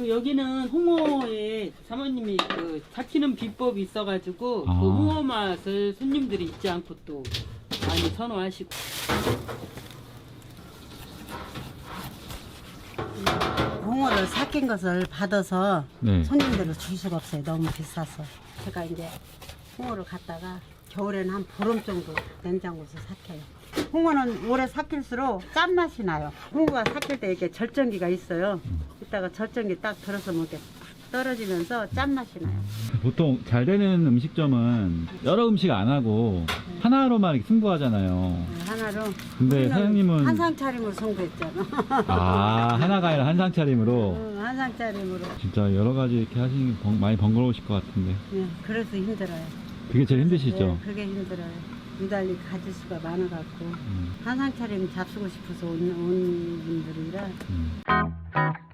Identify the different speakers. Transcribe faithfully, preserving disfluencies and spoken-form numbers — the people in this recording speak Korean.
Speaker 1: 그 여기는 홍어에 사모님이 그 삭히는 비법이 있어가지고
Speaker 2: 아.
Speaker 1: 그 홍어 맛을 손님들이 잊지 않고 또 많이 선호하시고.
Speaker 3: 홍어를 삭힌 것을 받아서
Speaker 2: 네.
Speaker 3: 손님들을 줄 수가 없어요. 너무 비싸서. 제가 이제 홍어를 갖다가 겨울에는 한 보름 정도 냉장고에서 삭혀요. 홍어는 오래 삭힐수록 짠맛이 나요. 홍어가 삭힐 때 이렇게 절정기가 있어요. 이따가 절정기 딱 들어서 뭐 이렇게 떨어지면서 짠맛이 나요.
Speaker 2: 보통 잘 되는 음식점은 여러 음식 안 하고 하나로만 이렇게 승부하잖아요.
Speaker 3: 하나로.
Speaker 2: 근데
Speaker 3: 우리는
Speaker 2: 사장님은
Speaker 3: 한상 차림으로 승부했잖아.
Speaker 2: 아, 하나가 아니라 한상 차림으로
Speaker 3: 응, 한상 차림으로.
Speaker 2: 진짜 여러 가지 이렇게 하시는 게 번- 많이 번거로우실 것 같은데.
Speaker 3: 네, 그래서 힘들어요.
Speaker 2: 그게 제일 힘드시죠?
Speaker 3: 네, 그게 힘들어요. 유달리 가질 수가 많아갖고
Speaker 2: 음,
Speaker 3: 한상 차림 잡수고 싶어서 온, 온 분들이라
Speaker 2: 음.